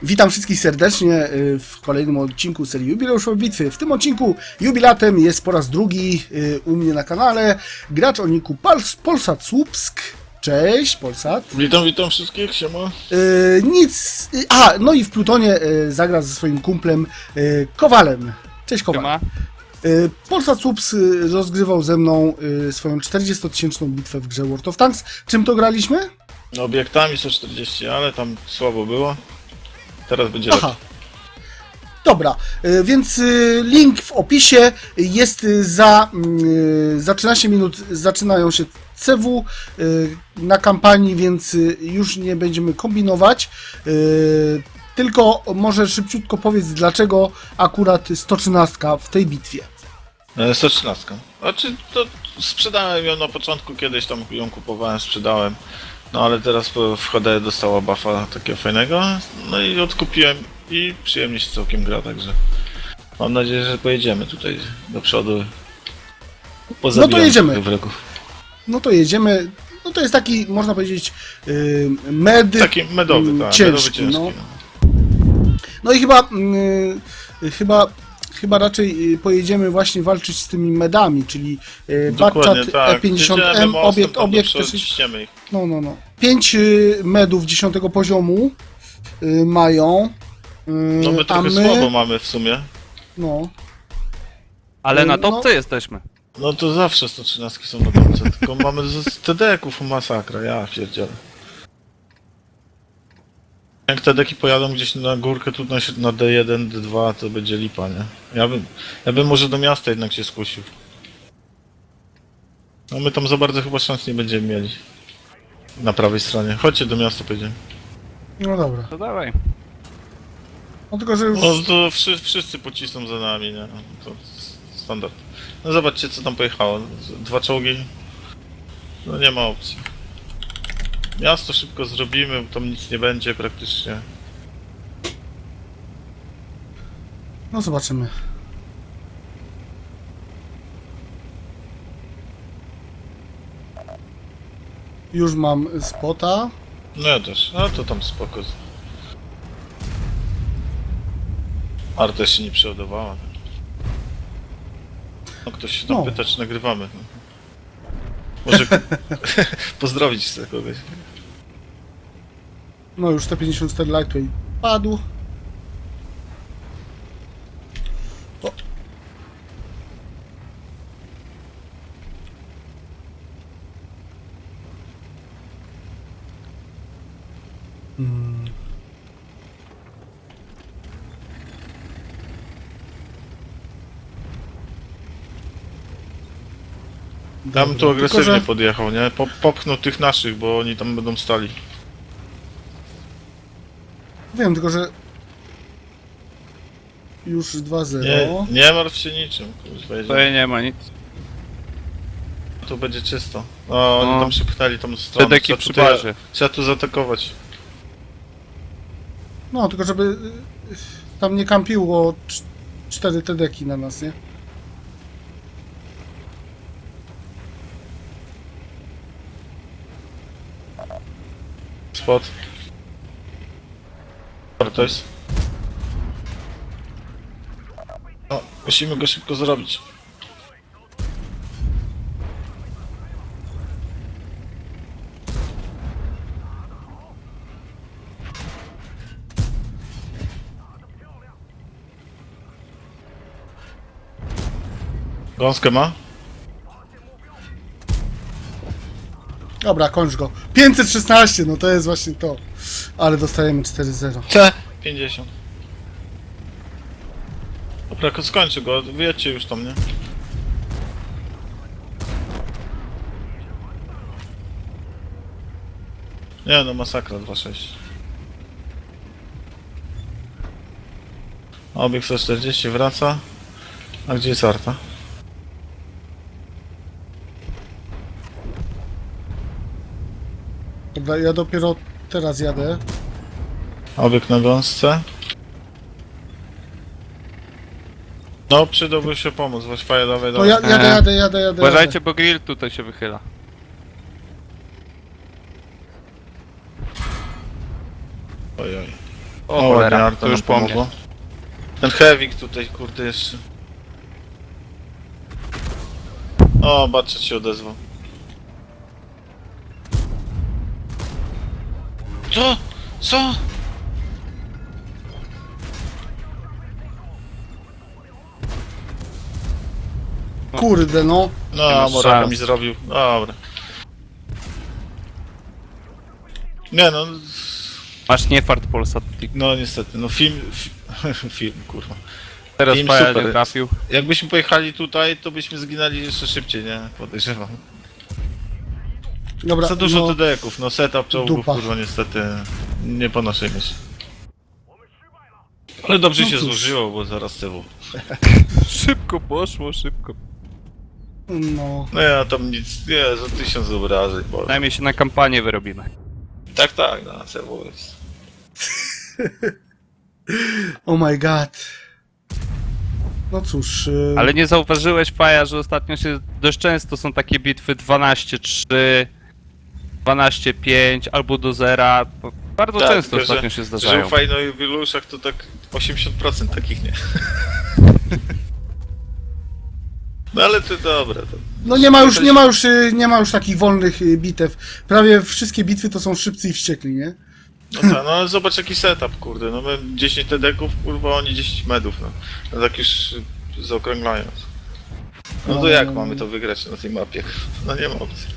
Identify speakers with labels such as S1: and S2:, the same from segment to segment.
S1: Witam wszystkich serdecznie w kolejnym odcinku serii Jubileuszowej Bitwy. W tym odcinku jubilatem jest po raz drugi u mnie na kanale gracz o niku Polsat Słupsk. Cześć, Polsat.
S2: Witam wszystkich, siema.
S1: No i w Plutonie zagra ze swoim kumplem Kowalem. Cześć, Kowal.
S3: Siema.
S1: Polsat Słupsk rozgrywał ze mną swoją 40-tysięczną bitwę w grze World of Tanks. Czym to graliśmy?
S2: No, obiektami 140, ale tam słabo było. Teraz będzie
S1: Aha.
S2: lepiej.
S1: Dobra, więc link w opisie jest za 13 minut zaczynają się CW na kampanii, więc już nie będziemy kombinować. Tylko może szybciutko powiedz, dlaczego akurat 113 w tej bitwie.
S2: 113. Znaczy, to sprzedałem ją na początku, kiedyś tam ją kupowałem, sprzedałem. No ale teraz w HD dostała buffa takiego fajnego, no i odkupiłem i przyjemnie się całkiem gra, także mam nadzieję, że pojedziemy tutaj do przodu.
S1: No to jedziemy.
S2: trochę wrogów.
S1: No to jedziemy. No to jest taki, można powiedzieć, med
S2: Taki medowy, tak,
S1: ciężki.
S2: medowy
S1: No.
S2: ciężki.
S1: No i chyba raczej pojedziemy właśnie walczyć z tymi medami, czyli
S2: Dokładnie,
S1: Batchat
S2: tak.
S1: E50M,
S2: Jedziemy mostem,
S1: obiekt
S2: tam do przodu, ciśniemy ich.
S1: No. 5 medów 10 poziomu mają.
S2: No my
S1: a
S2: trochę słabo mamy w sumie.
S1: No.
S3: Ale na
S1: No.
S3: topce jesteśmy.
S2: No to zawsze 113 są na końcu, tylko mamy z TD-ków masakra, ja pierdzielę. Jak TD-ki pojadą gdzieś na górkę tu na D1, D2, to będzie lipa, nie? Ja bym może do miasta jednak się skusił. No my tam za bardzo chyba szans nie będziemy mieli. Na prawej stronie. Chodźcie do miasta, pojedziemy.
S1: No dobra.
S3: To dawaj.
S1: No tylko, że już...
S2: No to wszyscy pocisną za nami, nie? To standard. No zobaczcie co tam pojechało. 2 czołgi. No nie ma opcji. Miasto szybko zrobimy, tam nic nie będzie praktycznie.
S1: No zobaczymy. Już mam spota.
S2: No ja też. No to tam spoko. Arta się nie przeładowała. No ktoś się tam
S1: No.
S2: pyta, czy nagrywamy. Może pozdrowić chcę kogoś.
S1: No już 154 Lightweight padł. O.
S2: Ja bym tu
S1: Tylko,
S2: agresywnie
S1: że-
S2: podjechał, nie? Popchnął tych naszych, bo oni tam będą stali.
S1: Wiem, tylko że już 2-0.
S2: Nie martw się niczym, kurwa,
S3: Tutaj nie ma nic.
S2: tu będzie czysto. O, oni
S3: No.
S2: tam przypchnęli tą stronę.
S3: TD-ki
S2: Trzeba
S3: przy
S2: tutaj-
S3: barze.
S2: Trzeba tu zaatakować.
S1: No, tylko żeby tam nie kampiło 4 TD-ki na nas, nie?
S2: Spot. Wartość. No, musimy go szybko zrobić. Gąskę ma?
S1: Dobra, kończ go. 516, no to jest właśnie to. Ale dostajemy 4-0.
S2: C. 50. Dobra, skończę go, wiecie już tam, nie? Nie no, masakra 2-6. Obiekt 140 wraca. A gdzie jest Arta?
S1: Dobra, ja dopiero teraz jadę.
S2: Obiekt na gąsce. No, przydałby się pomóc, weź faję, dawaj,
S1: No
S2: dawaj.
S1: jadę.
S3: Uważajcie, bo grill tutaj się wychyla.
S2: Oj, oj.
S3: O cholera,
S2: ładnie,
S3: to już
S2: nam
S3: po mnie.
S2: pomogło. Ten Hewik tutaj, kurde, jeszcze. O, Batchet się odezwał. Co? Co?
S1: Kurde, no.
S2: No,
S3: Nie masz
S2: Moraka
S3: szans.
S2: mi zrobił. Dobra. Nie no,
S3: Masz nie fart Polsat.
S2: no niestety, no film, kurwa.
S3: Teraz
S2: Team
S3: Faja
S2: super
S3: nie trafił.
S2: Jakbyśmy pojechali tutaj, to byśmy zginęli jeszcze szybciej, nie? Podejrzewam.
S1: Dobra,
S2: Za dużo
S1: no,
S2: TD-ków, no setup czołgów,
S1: dupa.
S2: kurwa, niestety nie po naszej myśli. Ale dobrze
S1: No
S2: się
S1: cóż.
S2: złożyło, bo zaraz tyłu.
S3: Szybko poszło, szybko.
S1: no.
S2: No ja tam nic, nie, za 1000 obrażeń, bo...
S3: Najmniej się na kampanię wyrobimy.
S2: Tak, na CW jest.
S1: Oh my god. No cóż.
S3: Ale nie zauważyłeś, Faja, że ostatnio się dość często są takie bitwy 12-3, 12-5 albo do zera. Bardzo
S2: Tak,
S3: często
S2: tylko,
S3: ostatnio się
S2: Że
S3: zdarzają.
S2: u Fajno i Wiluszach to tak 80% takich nie. No ale to dobre, to...
S1: No nie ma już takich wolnych bitew. Prawie wszystkie bitwy to są szybcy i wściekli, nie?
S2: No tak, no ale zobacz jaki setup, kurde, no my 10 TD-ków, kurwa, oni 10 medów, no. No tak już zaokrąglając. No to jak mamy to wygrać na tej mapie? No nie ma opcji.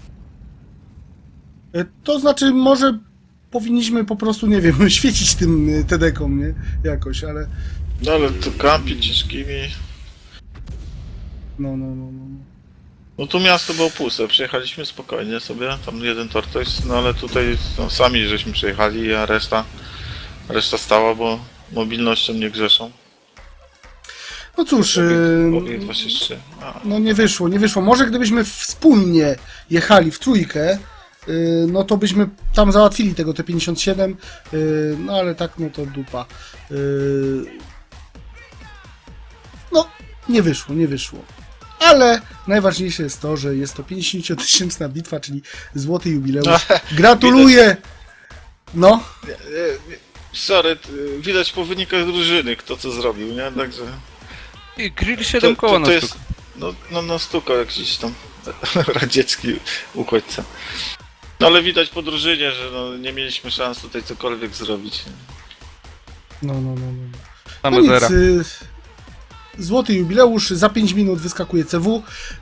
S1: To znaczy, może powinniśmy po prostu, nie wiem, świecić tym TD-kom, nie? Jakoś, ale...
S2: No ale to kampi ciężkimi...
S1: No.
S2: No tu miasto było puste, przejechaliśmy spokojnie sobie, tam jeden tortoise, no ale tutaj no, sami żeśmy przejechali, a reszta stała, bo mobilnością nie grzeszą.
S1: No cóż,
S2: Obiekt 23. A,
S1: no nie wyszło. Może gdybyśmy wspólnie jechali w trójkę, no to byśmy tam załatwili tego T-57, no ale tak, no to dupa. No, nie wyszło. Ale najważniejsze jest to, że jest to 50-tysięczna bitwa, czyli złoty jubileusz. Gratuluję! No,
S2: sorry, widać po wynikach drużyny kto co zrobił, nie? Także...
S3: I grill 7 koła na
S2: to
S3: stuk.
S2: jest, no stukał jakiś tam radziecki uchodźca. No ale widać po drużynie, że no, nie mieliśmy szans tutaj cokolwiek zrobić.
S1: no.
S3: Tam
S1: No nic,
S3: zera.
S1: złoty jubileusz, za 5 minut wyskakuje CW.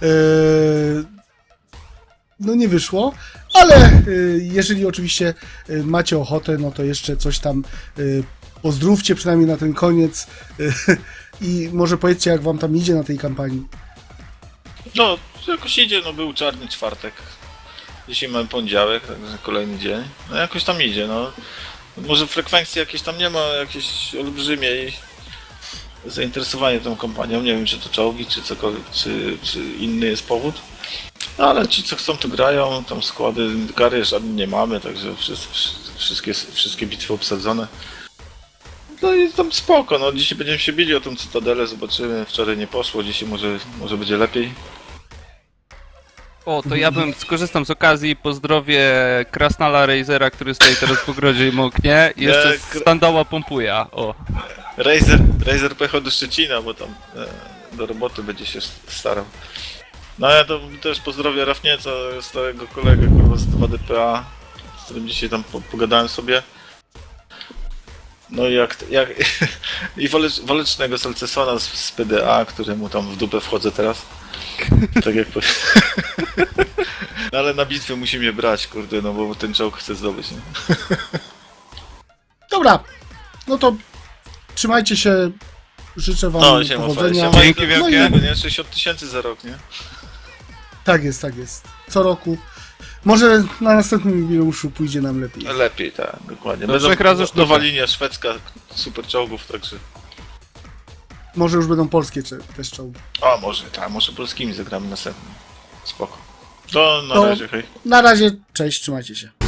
S1: No nie wyszło, ale jeżeli oczywiście macie ochotę, no to jeszcze coś tam pozdrówcie przynajmniej na ten koniec i może powiedzcie, jak wam tam idzie na tej kampanii.
S2: No, jakoś idzie, no był czarny czwartek. Dzisiaj mamy poniedziałek, także kolejny dzień. No jakoś tam idzie, no. Może frekwencji jakieś tam nie ma, jakiejś olbrzymiej zainteresowanie tą kampanią. Nie wiem, czy to czołgi, czy cokolwiek, czy inny jest powód. No, ale ci, co chcą, tu grają, tam składy, kary żadnej nie mamy, także wszystkie bitwy obsadzone. No i tam spoko, no dzisiaj będziemy się bili o tą cytadelę, zobaczymy. Wczoraj nie poszło, dzisiaj może będzie lepiej.
S3: O, to ja bym skorzystam z okazji i pozdrowię Krasnala Razera, który stoi teraz w ogrodzie i moknie. I jeszcze
S2: Nie,
S3: Standała Pompuja. O.
S2: Razer pojechał do Szczecina, bo tam do roboty będzie się starał. No ja to też pozdrowię Rafnieca, starego kolegę, kurwa, z 2DPA, z którym dzisiaj tam pogadałem sobie. No i i walecznego Salcesona z PDA, któremu tam w dupę wchodzę teraz. Tak jak No ale na bitwę musi mnie brać, kurde, no bo ten czołg chce zdobyć, nie?
S1: Dobra, no to trzymajcie się, życzę wam
S2: No, siema,
S1: powodzenia.
S2: siema.
S3: Dzięki
S2: No
S3: wielkie.
S2: i nie? 60 000 za rok, nie?
S1: Tak jest. Co roku. Może na następnym jubileuszu pójdzie nam lepiej.
S2: Lepiej, tak, dokładnie.
S3: Do 3 razy sztuka.
S2: Nowa linia szwedzka, super czołgów, także...
S1: Może już będą polskie też czołgi.
S2: A, może polskimi zagramy następnym. Spoko. To na
S1: To-
S2: razie, hej.
S1: Na razie, cześć, trzymajcie się.